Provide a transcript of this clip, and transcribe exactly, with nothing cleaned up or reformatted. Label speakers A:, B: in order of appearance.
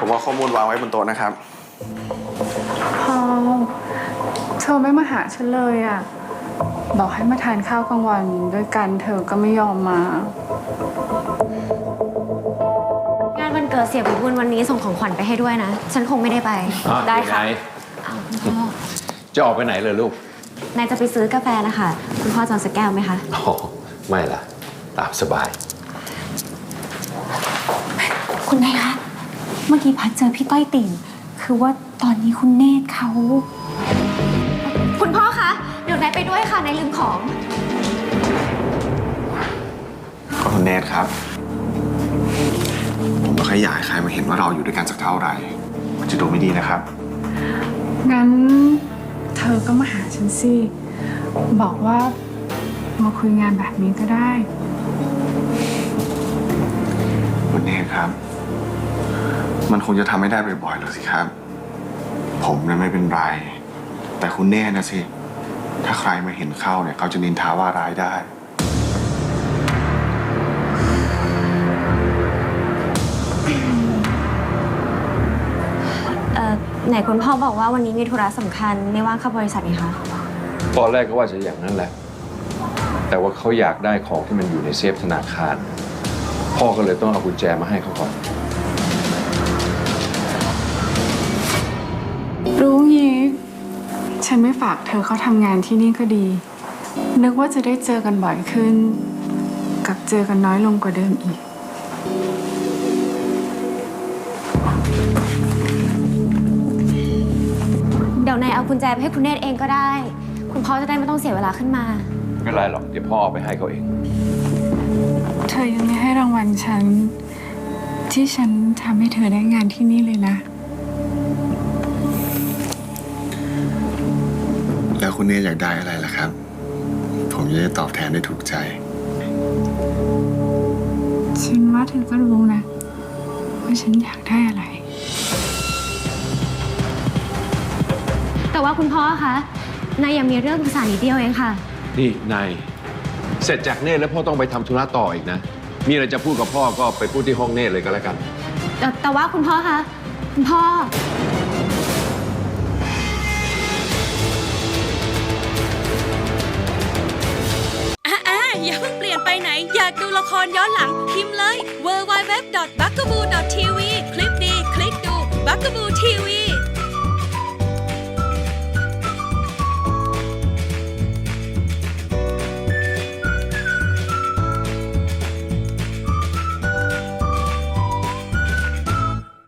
A: ว่าข้อมูลวางไว้บนโต๊ะนะครับ
B: พอเธอไม่มาหาฉันเลยอ่ะบอกให้มาทานข้าวกลางวันด้วยกันเธอก็ไม่ยอมม
C: างานวันเกิดเสียบุญวันนี้ส่งของขวัญไปให้ด้วยนะฉันคงไม่ได้ไปได้ค่ะ
D: จะออกไปไหนเลยลูก
C: นายจะไปซื้อกาแฟนะคะคุณพ่อจะเอาสักแก้วไหมคะ
D: อ๋อไม่ล่ะตามสบาย
C: คุณนายคะเมื่อกี้พัดเจอพี่ต้อยติ่งคือว่าตอนนี้คุณเนตรเขาคุณพ่อคะเดี๋ยวนายไปด้วยค่ะนายลืมของ
A: คุณเนตรครับผมไม่ค่อยอยากให้ใครมาเห็นว่าเราอยู่ด้วยกันสักเท่าไหร่มันจะดูไม่ดีนะครับ
B: งั้นเธอก็มาหาฉันสิบอกว่ามาคุยงานแบบนี้ก็ได้
A: คุณเนตรครับมันคงจะทำไม่ได้บ่อยๆหรอกสิครับผมเนี่ยไม่เป็นไรแต่คุณเนตรนะสิถ้าใครมาเห็นเข้าเนี่ยเขาจะนินทาว่าร้ายได้
C: ไหนคุณพ่อบอกว่าวันนี้มีธุระสำคัญไม่ว่างเข้าบริษัทนี่คะ
D: ตอนแรกก็ว่าจะอย่างนั้นแหละแต่ว่าเขาอยากได้ของที่มันอยู่ในเซฟธนาคารพ่อก็เลยต้องเอากุญแจมาให้เขาก่อน
B: รู้งี้ฉันไม่ฝากเธอเขาทำงานที่นี่ก็ดีนึกว่าจะได้เจอกันบ่อยขึ้นกับเจอกันน้อยลงกว่าเดิมอีก
C: เดี๋ยวนายเอากุญแจไปให้คุณเนตรเองก็ได้คุณพ่อจะได้ไม่ต้องเสียเวลาขึ้นมา
D: ไม่เป็นไรหรอกเดี๋ยวพ่อเอาไปให้เขาเอง
B: เธอยังไม่ให้รางวัลฉันที่ฉันทำให้เธอได้งานที่นี่เลยนะ
A: แล้วคุณเนตรอยากได้อะไรล่ะครับผมจะได้ตอบแทนได้ถูกใจ
B: ฉันว่าเธอก็รู้นะว่าฉันอยากได้อะไร
C: แต่ว่าคุณพ่อคะนายยังมีเรื่องปรึกษานิดเดียวเองค่ะ
D: นี่นายเสร็จจากเนตรแล้วพ่อต้องไปทำธุระต่ออีกนะมีอะไรจะพูดกับพ่อก็ไปพูดที่ห้องเนตรเลยก็แล้วกัน
C: แต่แต่ว่าคุณพ่อคะคุณพ่อ
E: อย่าเพิ่งเปลี่ยนไปไหนอยากดูละครย้อนหลังพิมพ์เลย ดับเบิลยู ดับเบิลยู ดับเบิลยู ดอท บักกะบู ดอท ที วี คลิปดีคลิกดู บักกะบู ที วี